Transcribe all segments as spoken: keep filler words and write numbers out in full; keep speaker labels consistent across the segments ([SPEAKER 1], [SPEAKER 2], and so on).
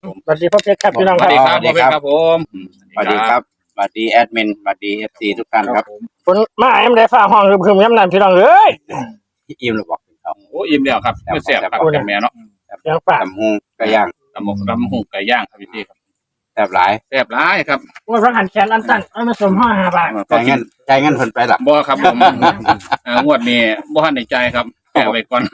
[SPEAKER 1] ผมสวัสดีพ่อเพชรครับพี่น้อง
[SPEAKER 2] ส
[SPEAKER 1] ค
[SPEAKER 2] วั
[SPEAKER 1] รั
[SPEAKER 2] ส
[SPEAKER 1] บ
[SPEAKER 2] ดีครับพ่อเพชรครับผม
[SPEAKER 3] สวัสดีครับสวัสดีแอดมินสวัสดีเอฟซีทุกท่านครับ
[SPEAKER 1] ฝนมาเอ็มได้ฟ้าห้องคือคือย้ำนานพี่น้องเอ้ย
[SPEAKER 3] พี่อิมเราบอกถึงเขา
[SPEAKER 2] โอ้อิ่มแล้วครับไม่แซ่บครับกับแม่เนาะ
[SPEAKER 1] ยังฝาก
[SPEAKER 3] ตำฮงกระย่าง
[SPEAKER 2] ตำหมกตำหุ่งไก่ย่างครับพี่ครับ
[SPEAKER 3] แซ่บหลาย
[SPEAKER 2] แซ่บร้ายครับ
[SPEAKER 1] ว่าพระหันแขนอันสั้นเอามาสมห้าห้าบาท
[SPEAKER 3] ใจายเงินใจายเงินเพิ่นไปหลับ
[SPEAKER 2] บ่ครับผมอ่างวดนี้บ่ทันในใจครับแก้ไว้ก่อน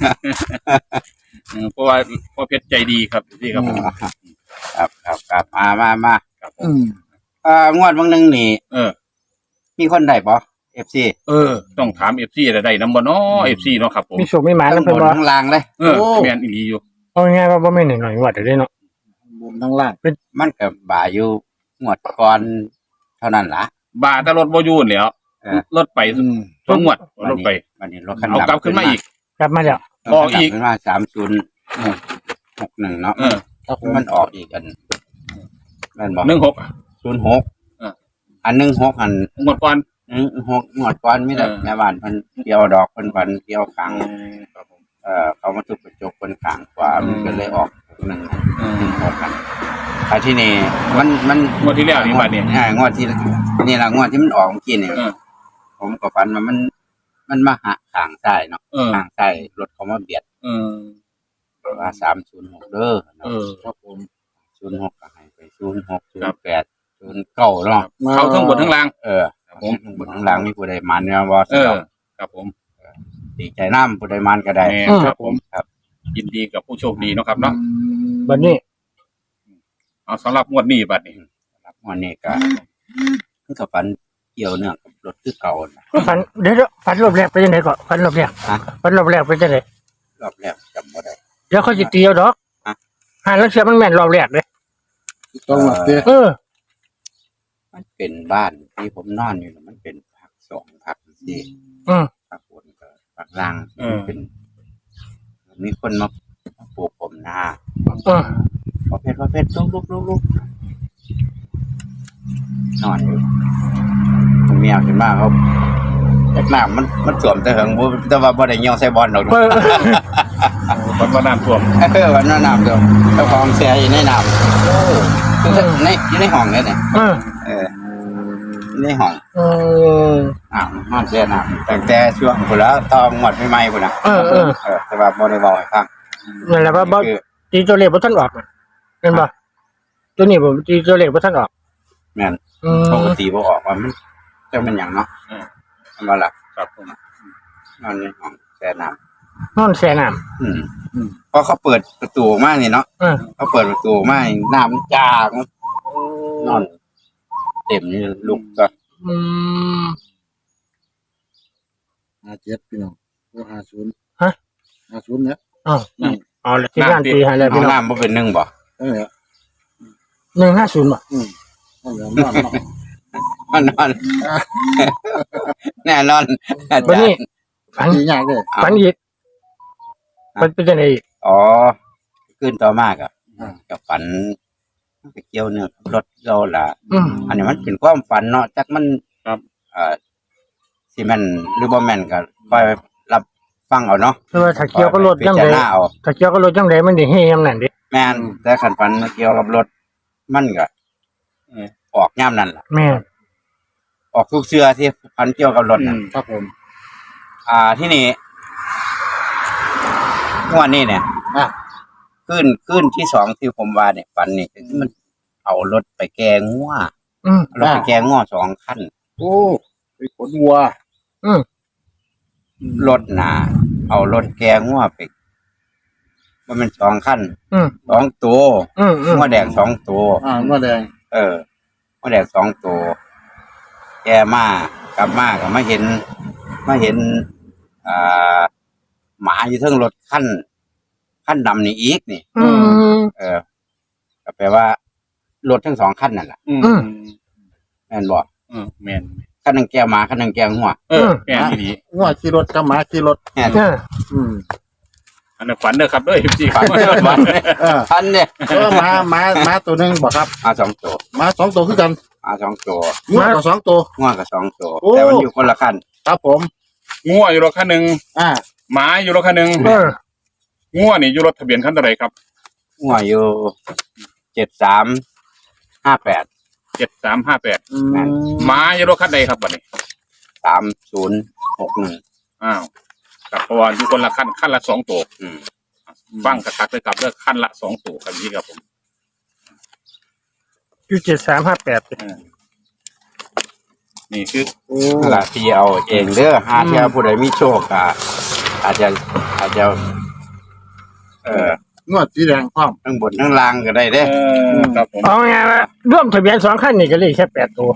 [SPEAKER 2] เพราะว่าพ่อเพชรใจดีครับพี่ครับผม
[SPEAKER 3] ครับครับครับมามามา
[SPEAKER 2] ครับผ
[SPEAKER 1] อื
[SPEAKER 2] ม
[SPEAKER 1] ม
[SPEAKER 3] อ่างวดวันหนึ่งนี่
[SPEAKER 2] เออ
[SPEAKER 3] มีคนได้บ่เอฟซี
[SPEAKER 2] เออ ต้องถาม เอฟ ซี ได้ได้นำบ่เนาะ เอฟ ซี เนาะครับผม
[SPEAKER 1] มีสุขมีหมา
[SPEAKER 3] ทั้
[SPEAKER 1] แล้ว
[SPEAKER 3] งบ
[SPEAKER 1] เพิ่น
[SPEAKER 3] น
[SPEAKER 1] บ่
[SPEAKER 3] ทั้งล่างเลย
[SPEAKER 2] เออแม่นอีหลีอยู่
[SPEAKER 1] เอาง่ายๆว่าบ่แม่นหน่อยๆวัดได้เนาะ
[SPEAKER 4] บนทั้งล่าง
[SPEAKER 3] มันก็บ่าอยู่งวดก่อนเท่านั้นล่ะ
[SPEAKER 2] บาแต่รถบ่อยู่แล้ว
[SPEAKER 3] เออ
[SPEAKER 2] รถไปสองงวดรถไป
[SPEAKER 3] วันนี้รถคัน
[SPEAKER 2] เอากลับขึ้นมาอีก
[SPEAKER 1] กลับมาแล้ว
[SPEAKER 2] ออกอีก
[SPEAKER 3] ขึ้นมาสามศูนย์หกหนึ่งเนาะ
[SPEAKER 2] เออ
[SPEAKER 4] ครับผม
[SPEAKER 3] มันออกอีกอันนั่นบอก
[SPEAKER 2] หนึ่งหกอ่ะ
[SPEAKER 3] ศูนย์หก
[SPEAKER 2] เออ
[SPEAKER 3] อันหนึ่งหกอัน
[SPEAKER 2] งวดก่อน
[SPEAKER 3] อืมหกงวดก่อนมีแต่
[SPEAKER 2] เออ
[SPEAKER 3] แม่บ้านเพิ่นเกี่ยวดอกเพิ่นฝันเกี่ยวขัง
[SPEAKER 2] ครับผม
[SPEAKER 3] เอ่อเขามาทุบกระจกเพิ่นขังกว่า
[SPEAKER 2] อืม
[SPEAKER 3] มันก็เลยออกหนึ่ง
[SPEAKER 2] อืม
[SPEAKER 3] หนึ่งหกกันแต่ที่นี่มันมัน
[SPEAKER 2] งวดที่แล้วนี่บัดนี้
[SPEAKER 3] อ่างวดที่นี่ล่ะงวดที่มันออกเมื่อกี้นี่
[SPEAKER 2] เออ
[SPEAKER 3] ผมก็ฝันว่ามัน มันมาหาขางใต้เนาะ
[SPEAKER 2] เออ
[SPEAKER 3] ขางใต้รถเขามาเบียด
[SPEAKER 2] เออ
[SPEAKER 3] ว่าสามศูนย์หกเด้อ
[SPEAKER 2] เออ
[SPEAKER 4] ครับผม
[SPEAKER 3] ศูนย์หกก็ให้ไปศูนย์หกศูน
[SPEAKER 2] ครับ
[SPEAKER 3] ย์แปดศูนย์เก้าเนาะ
[SPEAKER 2] เขาทั้งบนทั้งล่าง
[SPEAKER 3] เออ
[SPEAKER 2] ครับผม
[SPEAKER 3] บนข้างหลังมีผู้ใดมันเนี่ยบ่
[SPEAKER 2] เออ ครับผม
[SPEAKER 3] ดีใจน้ำผู้ใดมันก็ได้
[SPEAKER 2] แม่ครับผม
[SPEAKER 3] ครับ
[SPEAKER 2] ยินดีกับผู้โชคดีเนาะครับเนาะ
[SPEAKER 1] บัดนี้
[SPEAKER 2] เอาสำหรับงวดนี้บัดนี้
[SPEAKER 3] ครับวันนี้ก็คือกับฝันเกี่ยวเนื่องกับรถคือเก่าน่ะ
[SPEAKER 1] ก็ฝันเดี๋ยวๆฝันรอบแรกเป็นจังได๋ก่อนฝันรอบแรก
[SPEAKER 3] ฮะ
[SPEAKER 1] ฝันรอบแรกเป็นจังได๋
[SPEAKER 3] รอบแรกจำบ่ได้
[SPEAKER 1] เดี๋ยวเขาสิตีเอาดอก
[SPEAKER 3] ฮะ
[SPEAKER 1] หาแล้วเชื่อมันแม่นรอบแรกเด้
[SPEAKER 4] ต้องหลับเตี้ย
[SPEAKER 1] เออ
[SPEAKER 3] มันเป็นบ้านที่ผมนอนอยู่น่ะมันเป็นผักสองผักสี่
[SPEAKER 1] อืม
[SPEAKER 3] ผักบนกับผักล่าง
[SPEAKER 2] เออ
[SPEAKER 3] เป็นมีคนมาปลูกผมนา
[SPEAKER 1] เออ
[SPEAKER 3] พอเพชรพอเพชรลุกลุกลุกลุกนอนอยู่ผมเมียขึ้นมาเขาแอกน้ำมันมันสวมแต่เหิงบ่แต่ว่าบ่ได้เหี่ยวใส่บอลดอก
[SPEAKER 1] เออ
[SPEAKER 2] วันว่าน้ำท่วม
[SPEAKER 3] เออวันนั้นน้ำเดียวเจ้าของเสียอยู่ในน้ำคือในอยู่ในห้องเนี่ยเนี่ย
[SPEAKER 1] เออ
[SPEAKER 3] เออในห้อง
[SPEAKER 1] เออ
[SPEAKER 3] น้ำมันเสียน้ำตั้งแต่ช่วงพุ่นแล้วตอนหมดใหม่ๆพุ่นน่ะ
[SPEAKER 1] เออเออ
[SPEAKER 3] เออแต่ว่าบ่ได้บอกให้ฟัง
[SPEAKER 1] นั่นแหละว่าบ่
[SPEAKER 3] คือ
[SPEAKER 1] ตีตัวเลขบ่ทันออกน่ะเห็นบ่ตัวนี้ผมตีตัวเลขบ่ทันออก
[SPEAKER 3] แม่น
[SPEAKER 1] อืม
[SPEAKER 3] ปกติบ่ออกว่ามันจะเป็นหยังเนาะ
[SPEAKER 2] เออ
[SPEAKER 3] มันว่าล่ะ
[SPEAKER 2] ครับผม
[SPEAKER 3] นอนในห้องแช่น้
[SPEAKER 1] นอนแช่น้ำ
[SPEAKER 3] ำอืมพอเขาเปิดประตูออกมานี่เนาะ
[SPEAKER 1] เออ
[SPEAKER 3] เขาเปิดประตูออกมานี่น้ำมันจางนอน เต็มนี่ลุกก็
[SPEAKER 1] อืม
[SPEAKER 4] ห้าเจ็ดพี่น้องโอ้ห้าศูนย์
[SPEAKER 1] ฮะ
[SPEAKER 4] ห้าศูนย์เนี่ย
[SPEAKER 1] อ๋อเอาละที่งานตีให้แล้ว
[SPEAKER 3] ห้อ
[SPEAKER 1] พี่
[SPEAKER 3] ง
[SPEAKER 1] น้อง
[SPEAKER 3] น้ำบ่เป็นหนึ่งบ่
[SPEAKER 4] เออ
[SPEAKER 1] หนึ่งห้าศูนย์บ่
[SPEAKER 4] อืมนั่นแหละนอนเนาะ
[SPEAKER 3] มันนอน แน่นอนอา
[SPEAKER 1] วัน
[SPEAKER 3] จาร
[SPEAKER 1] นี้
[SPEAKER 3] ย์
[SPEAKER 1] ฝัน
[SPEAKER 4] ดีง่ายเลย
[SPEAKER 1] ฝันอีกมันเป็นจังไดอีก
[SPEAKER 3] อ๋อขึ้นต่อมากอ่ะกับฝันไปเกี่ยวเนื้อกับรถเราล่ะ
[SPEAKER 1] อืม
[SPEAKER 3] อันนี้มันเป็นความฝันเนาะจักมัน
[SPEAKER 2] ครับ
[SPEAKER 3] เอ่อสิแม่นหรือบ่แม่นก็ค่อยรับฟังเอาเนาะ
[SPEAKER 1] คือว่าถ้าเกี่ยวกับรถ
[SPEAKER 3] พิ
[SPEAKER 1] จัง
[SPEAKER 3] จาร
[SPEAKER 1] ได
[SPEAKER 3] ณาเอา
[SPEAKER 1] ถ้าเกี่ยวกับรถจังไดมันสิเฮยามนั้นเด้
[SPEAKER 3] แม่นแต่คันฝันเกี่ยวกับรถมันก็
[SPEAKER 2] เออ
[SPEAKER 3] ออกยามนั้นล่ะ
[SPEAKER 1] แม่
[SPEAKER 3] ออกทุกเชือที่ฝันเกี่ยวกับรถน่ะ
[SPEAKER 4] ครับผม
[SPEAKER 3] อ่าที่นี่งวดนี้เนี่ย
[SPEAKER 4] อ่ะ
[SPEAKER 3] ขึ้นขึ้นที่สองที่ผมว่าเนี่ยฝันนี่คือมันเอารถไปแกงัว
[SPEAKER 1] อืม
[SPEAKER 3] เอารถไปแกงัวสองคัน
[SPEAKER 4] โอ้ไปขนวัว
[SPEAKER 1] อืม
[SPEAKER 3] รถหนาเอารถแกงัวไปมันเป็นสองคัน
[SPEAKER 1] อืม
[SPEAKER 3] สองตัว
[SPEAKER 1] อืมอืม
[SPEAKER 3] งัวแดงสองตัว
[SPEAKER 4] อ่าวัวแดง
[SPEAKER 3] เอองัวแดงสองตัวแกมากลับมาก็มาเห็นมาเห็นอ่าหมาอยู่เทิงรถคันคันดำนี่อีกนี่
[SPEAKER 1] อืม
[SPEAKER 3] เออก็แปลว่ารถทั้งสองคันนั่นแหละ
[SPEAKER 2] อืม
[SPEAKER 1] อืม
[SPEAKER 3] แม่นบอก
[SPEAKER 2] อืมแม่น
[SPEAKER 3] คันหนึงแก้วหมาคันหนึงแก้วหัว
[SPEAKER 2] เออแม่นอีหลี
[SPEAKER 4] วัวขี่รถกับหมาขี่รถ
[SPEAKER 3] แม่น
[SPEAKER 1] เออ
[SPEAKER 4] อืม
[SPEAKER 2] อันนั้นฝันเด้อครับเด้อ เอฟ ซี
[SPEAKER 3] ฝันฝัน
[SPEAKER 4] เออ
[SPEAKER 3] พันเนี่ย
[SPEAKER 4] เออหมาหมาหมาตัวหนึงบ่ครับ
[SPEAKER 3] มาสองตัว
[SPEAKER 4] หมาสองตัวคือกัน
[SPEAKER 3] มาสองตัว
[SPEAKER 4] งัวก็สองตัว
[SPEAKER 3] หัวกับสองตัว
[SPEAKER 4] โอ้
[SPEAKER 3] แต่มันอยู่คนละคัน
[SPEAKER 4] ครับผม
[SPEAKER 2] งัวอยู่รถคันหนึ่ง
[SPEAKER 4] อ่า
[SPEAKER 2] หมาอยู่รถคันหนึ่ง
[SPEAKER 1] เออ
[SPEAKER 2] งัวนี่อยู่รถทะเบียนคันเท่าไหร่ครับ
[SPEAKER 3] หัวอยู่เจ็ดสามห้าแปด
[SPEAKER 2] เจ็ดสามห้าแปด
[SPEAKER 4] อืม
[SPEAKER 2] หมาอยู่รถคันใดครับบัดนี้
[SPEAKER 3] สามศูนย์หกหนึ่ง
[SPEAKER 2] อ้าวกับเพราะว่าอยู่คนละขั้นขั้นละสองตัว
[SPEAKER 3] อืม
[SPEAKER 2] ฟังกระตักเลยครับเลือกขั้นละสองตัวครับพี่ครับผม
[SPEAKER 1] อยู่เจ็ดสามห้าแปด
[SPEAKER 2] นี่คือ
[SPEAKER 4] โอ้
[SPEAKER 3] นั่นละที่เอาเองเด้อหาเที่ยวผู้ใดมีโชคอ่ะอาจจะอาจจะ เอ่อง
[SPEAKER 4] วดสีแดงพร้อม
[SPEAKER 3] ทั้งบนทั้งล่างก็ได้เด้
[SPEAKER 2] เออครับผม
[SPEAKER 1] เอาไงละร่วมทะเบียนสองขั้นนี่ก็เลยแค่แปดตัว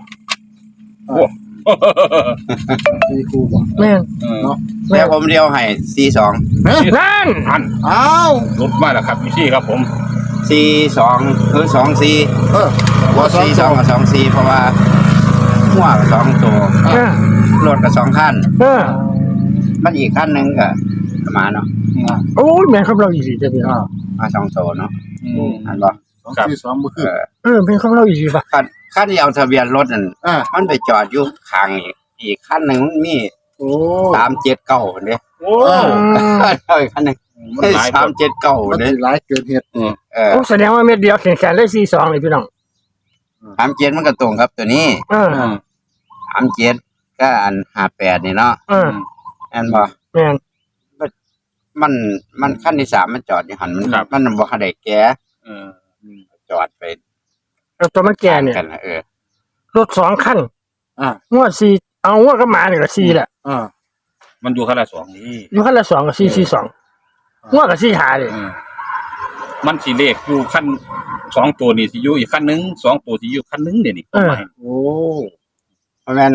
[SPEAKER 4] สี่คู่บ่
[SPEAKER 1] แม่น
[SPEAKER 2] เออ
[SPEAKER 4] เนาะ
[SPEAKER 3] แต่ผมเดียวให้สี่สอง
[SPEAKER 4] เฮ้ย
[SPEAKER 1] นั่น
[SPEAKER 2] อัน
[SPEAKER 4] อ้าว
[SPEAKER 2] รถมาแล้วครับพี่ครับผม
[SPEAKER 3] สี่สองคือสองสี่
[SPEAKER 4] เออ
[SPEAKER 3] ว่าสี่สองกับสองสี่เพราะว่าหัวกับสองตัว
[SPEAKER 1] เออ
[SPEAKER 3] รถกับสองขั้น
[SPEAKER 1] เออ
[SPEAKER 3] มันอีกขั้นหนึ่งก็มาเนาะ
[SPEAKER 1] โอ้ยแม่นครับเราอีหลีจะพี่น้อง
[SPEAKER 3] มาสองตัวเนาะ
[SPEAKER 2] อืม
[SPEAKER 3] อันบ่
[SPEAKER 4] สองสี่สองบ่
[SPEAKER 3] เอ
[SPEAKER 4] คือ
[SPEAKER 3] อ
[SPEAKER 1] เออเป็นของเราอีหลีป่ะ
[SPEAKER 3] ขั้นขั้นที่เอาทะเบียนรถนั่น
[SPEAKER 4] อ่า
[SPEAKER 3] มันไปจอดอยู่ข้างอีกอีกขั้นหนึ่งมันมี
[SPEAKER 4] โอ้
[SPEAKER 3] สามเจ็ดเก้าเนี่ย
[SPEAKER 2] โอ้
[SPEAKER 1] อืม
[SPEAKER 3] เอาอีกขั้นหนึ่ง
[SPEAKER 2] มันหลาย
[SPEAKER 3] สามเจ็ดเก้า
[SPEAKER 4] มัน
[SPEAKER 3] เนี่ย
[SPEAKER 4] สิหลายเกินเหตุ
[SPEAKER 3] เออ
[SPEAKER 1] โอ้แสดงว่าเม็ดเดียวแข็งแข็งเลยสี่สองเลยพี่น้อง
[SPEAKER 3] สามเจ็ดมันก็ตรงครับตัวนี้
[SPEAKER 1] เออ
[SPEAKER 3] สามเจ็ดก็อันห้าแปดนี่เนาะ
[SPEAKER 1] เออ
[SPEAKER 3] อันบ่
[SPEAKER 1] แม่น
[SPEAKER 3] มันมันขั้นที่สามมันจอดอยู่หันมันมันบ่ทันได้แก่
[SPEAKER 2] เออ
[SPEAKER 3] จอดไป
[SPEAKER 1] เอาตัวมันแก่เนี่ย
[SPEAKER 3] กันนะเออ
[SPEAKER 1] รถสองขั้น
[SPEAKER 4] อ่าง
[SPEAKER 1] วดสี่เอางวดก็มาเนี่ยก็สี่แหละ
[SPEAKER 4] อ่า
[SPEAKER 2] มันอยู่ขั้นละสองนี่
[SPEAKER 1] อยู่ขั้นละสองกับสี่สี่สองงวดกับสี่หาเลย
[SPEAKER 2] เออมันสีเลขอยู่ขั้นสองตัวนี่สิอยู่อีกขั้นหนึ่งสองตัวสิอยู่ขั้นหนึ่งเดี๋ยวนี้
[SPEAKER 1] เออ
[SPEAKER 4] โอ้
[SPEAKER 3] เพราะงั้น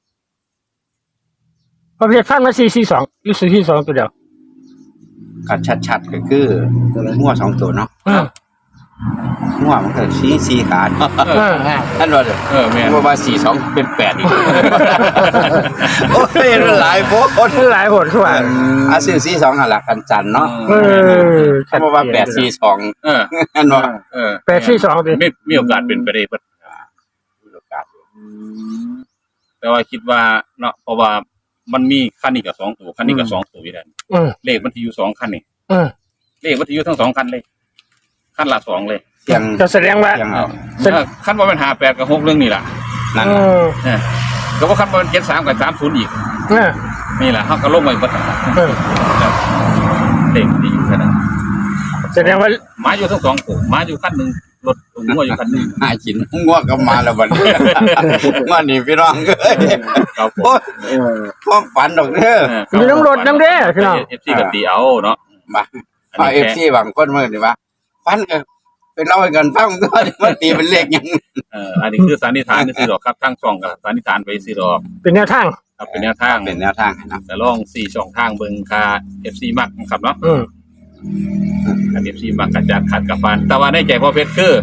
[SPEAKER 1] ประเภทฟันมาสี่สี่สองหรือสี่สี่สองตัวเดียว
[SPEAKER 3] ก็ชัดๆก็คือหัวสองตัวเนาะ
[SPEAKER 1] เออ
[SPEAKER 3] หัวมันก็สีสีขาเนาะ
[SPEAKER 1] เออ
[SPEAKER 3] ท่านว่าเด้อ
[SPEAKER 2] เออแม่น
[SPEAKER 3] ว่าว่าสี่สองเป็นแปดอีก โอ้ยมันหลายโพด
[SPEAKER 1] หลายหนทั่ว
[SPEAKER 3] อาซื้อสี่สองหันหลักกันจันเนาะ
[SPEAKER 1] เออ
[SPEAKER 3] ท่านว่าแปดสี่สอง
[SPEAKER 2] เออ
[SPEAKER 3] ท่านว่า
[SPEAKER 2] เออ
[SPEAKER 1] แปดสี่สองดิ
[SPEAKER 2] ไม่มีโอกาสเป็นไปได้เพิ่นแต่ว่าคิดว่าเนาะเพราะว่ามันมีขั้นนี้กับสองตัวขั้นนี้กับสองตัวอยู่แล้ว
[SPEAKER 1] เออ
[SPEAKER 2] เลขมันที่อยู่สองขั้นนี่
[SPEAKER 1] เออ
[SPEAKER 2] เลขมันที่อยู่ทั้งสองขั้นเลยขั้นละสองเลย
[SPEAKER 3] เสียง
[SPEAKER 1] จะแสดงว่า
[SPEAKER 3] เสียงเอา
[SPEAKER 1] เสร็จ
[SPEAKER 2] เออขั้นว่ามันหาแปดกับหกเรื่องนี่แหละ
[SPEAKER 3] นั่น
[SPEAKER 1] เอ
[SPEAKER 3] น่ะ
[SPEAKER 1] อ
[SPEAKER 2] เออก็ว่าขั้นว่ามันเจ็ดสามกับสามศูนย์อีก
[SPEAKER 1] เออ
[SPEAKER 2] นี่แหละเขาก็ลงไปบัดนั้น
[SPEAKER 1] เออ
[SPEAKER 2] เลขที่อยู่แค่นั้น
[SPEAKER 1] แสดงว่า
[SPEAKER 2] หมาอยู่ทั้งสองตัวหมาอยู่ขั้นหนึ่งรถหัวอยู่ขั้นหนึ่ง
[SPEAKER 3] หากินง่วงก็มาแล้วบัดนี้ มานี่พี่น้องเอ้ย
[SPEAKER 2] ครับผม
[SPEAKER 3] โอ้ย
[SPEAKER 4] เออ
[SPEAKER 3] ความฝันดอกเด้อ
[SPEAKER 1] มีน้ำรถน้ำเด้อพี่น้อง
[SPEAKER 2] เอฟซีกับตีเอาเนาะ
[SPEAKER 3] มาเอาเอฟซีบางคนมื้อนี่ว่าฝันก็เป็นเล่าให้กันฟังตัวมันตีเป็นเลขหยัง
[SPEAKER 2] เอออันนี้คือสันนิษฐานซื้อดอกครับทั้งช่องกับสันนิษฐานไปซื้อดอก
[SPEAKER 1] เป็นแนวทาง
[SPEAKER 2] ครับเป็นแนวทาง
[SPEAKER 3] เป็นแนวทางให้เนาะ
[SPEAKER 2] แต่ลองสี่ช่องทางเบิ่งค่า เอฟ ซี มักนะครับเนาะ
[SPEAKER 1] อืม
[SPEAKER 2] ค่า เอฟ ซี มักกระจัดขัดกับฟันแต่ว่าในใจพ่อเพชรคือ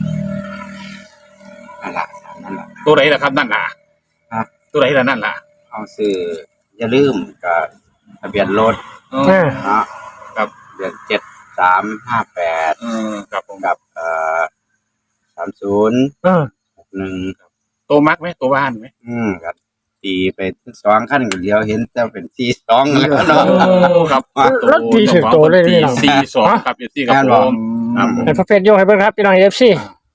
[SPEAKER 3] นั่นล่ะนั่นล่ะ
[SPEAKER 2] ตัวไหนล่ะครับนั่นล่ะ
[SPEAKER 3] ฮะ
[SPEAKER 2] ตัวไหนล่ะนั่นล่ะ
[SPEAKER 3] เอาซื้ออย่าลืมก็ทะเบียนรถ
[SPEAKER 2] เอ
[SPEAKER 1] เอ
[SPEAKER 2] อ
[SPEAKER 1] อ
[SPEAKER 3] เนาะ
[SPEAKER 2] ครับ
[SPEAKER 3] เดือนเจ็ดสามห้าแปด
[SPEAKER 2] เออครับผม
[SPEAKER 3] กับเอ่อสามศูนย์
[SPEAKER 1] เออ
[SPEAKER 3] หกหนึ่ง
[SPEAKER 2] ตัวมักไหมตัวบ้านไหม
[SPEAKER 3] อืมก็ตีไปสองขั้นก็เดียวเห็นแต่เป็นสี่สองแล้วเนาะ
[SPEAKER 2] โอ้ครับ
[SPEAKER 1] รถตีถึงโตเลยพี่น้อง
[SPEAKER 2] สี่สองครับ เอฟ ซี ครับผม ครับผม
[SPEAKER 1] ให้พระเพชรโยกให้เบิ่งครับพี่น้องเอฟซี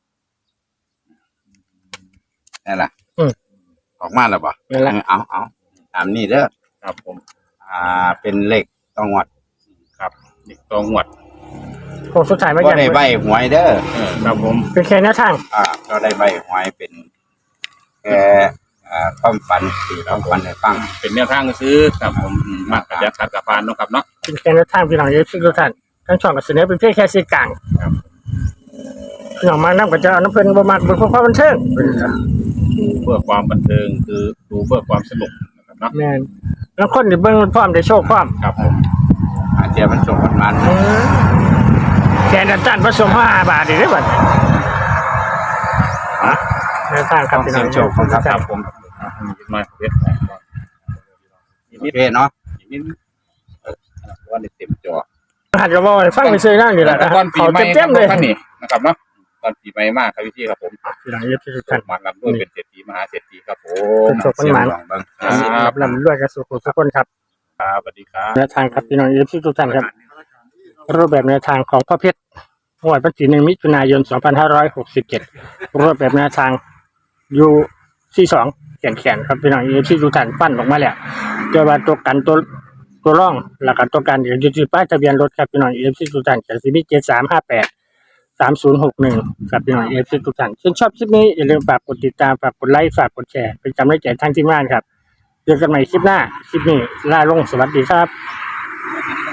[SPEAKER 3] นั่นแหละ
[SPEAKER 1] อืม
[SPEAKER 3] ออกมาแล้วบ่
[SPEAKER 1] นั่นแหละ
[SPEAKER 3] เอาเอาตามนี้เด้อ
[SPEAKER 2] ครับผม
[SPEAKER 3] อ่าเป็นเลขต้องวัด
[SPEAKER 2] ครับนี่ตัวงวด
[SPEAKER 1] โค้งสุดท้ายมา
[SPEAKER 3] ก็
[SPEAKER 1] อย่าง
[SPEAKER 3] ได้ใบหวยเด้อ
[SPEAKER 2] เออครับผม
[SPEAKER 1] เป็นแค่แนวทาง
[SPEAKER 3] อ่าก็ได้ใบหวยเป็นแค่อ่าความฝันที่เราฝันให้ฟัง
[SPEAKER 2] เป็นแนวทางซื้อครับผมอืมมักกระจัดขัดกับฟันเนาะครับเนาะ
[SPEAKER 1] เป็นแค่แนวทางพี่น้องเอฟซีทุกท่านทั้งช่องกับเสนอเป็นเพียงแค่สื่อกลาง
[SPEAKER 2] ครับ
[SPEAKER 1] พี่น้องมานํก็จะเอาน้ำเพิ่นบ่มักเป็นความบันเทิง
[SPEAKER 2] ดูเพื่อความบันเทิงคือดูเพื่อความสนุกนะครับเนาะ
[SPEAKER 1] แม่นแล้วคนที่เบิ่งพร้อมได้โชคพร้อม
[SPEAKER 2] ครับผม
[SPEAKER 3] อาจจะมันส่งมันมัน
[SPEAKER 1] แค่นั้นตันผสมห้าบาทนี่ได้บัดฮะแนวทางครับพี่น้อง
[SPEAKER 3] เสียงโชคของครับ
[SPEAKER 2] ครับผมมาเวทอีก
[SPEAKER 3] โอ
[SPEAKER 2] นิด
[SPEAKER 3] เคเนาะ
[SPEAKER 2] อีกนิดเออว่าได้เต็มจอ
[SPEAKER 1] หัดก็บ่ให้ฟังไปซื้อนั่นนี่แหละนะ
[SPEAKER 2] ตอนปี
[SPEAKER 1] เขา
[SPEAKER 2] ใหม่
[SPEAKER 1] เต็มๆเลย
[SPEAKER 2] ท่านนี่นะครับเนาะตอนปีใหม่มากครับพี่ครับผม
[SPEAKER 1] พี่น้องเอฟซีทุกท่าน
[SPEAKER 2] มาลำด้วยเป็นเศรษฐีมหาเศรษฐีครับผม
[SPEAKER 1] โชคมันหมาน
[SPEAKER 3] ลองเบิ่ง
[SPEAKER 1] รับลำด้วยกับสุขทุกคนครับ
[SPEAKER 2] ครับสวัสดีครับ
[SPEAKER 1] แนวทางครับพี่น้องเอฟซีทุกท่านครับรูปแบบแนวทางของพ่อเพชรงวดวันที่หนึ่งมิถุนายนสองพันห้าร้อยหกสิบเจ็ดรูปแบบแนวทางอยู่ที่สองแขนแขนครับพี่น้องเอฟซีทุกท่านปั้นออกมาแล้วเจอว่าตัวกันตัวตัวร่องแล้วก็ตัวกันเดี๋ยวจะจุดป้ายทะเบียนรถครับพี่น้องเอฟซีทุกท่านจากซีบีเจ็ดสามห้าแปดสามศูนย์หกหนึ่งครับพี่น้องเอฟซีทุกท่านชื่นชอบคลิปนี้อย่าลืมฝากกดติดตามฝากกดไลค์ฝากกดแชร์เป็นกำลังใจทางทีมงานครับเจอกันใหม่คลิปหน้าคลิปนี้ลาลงสวัสดีครับ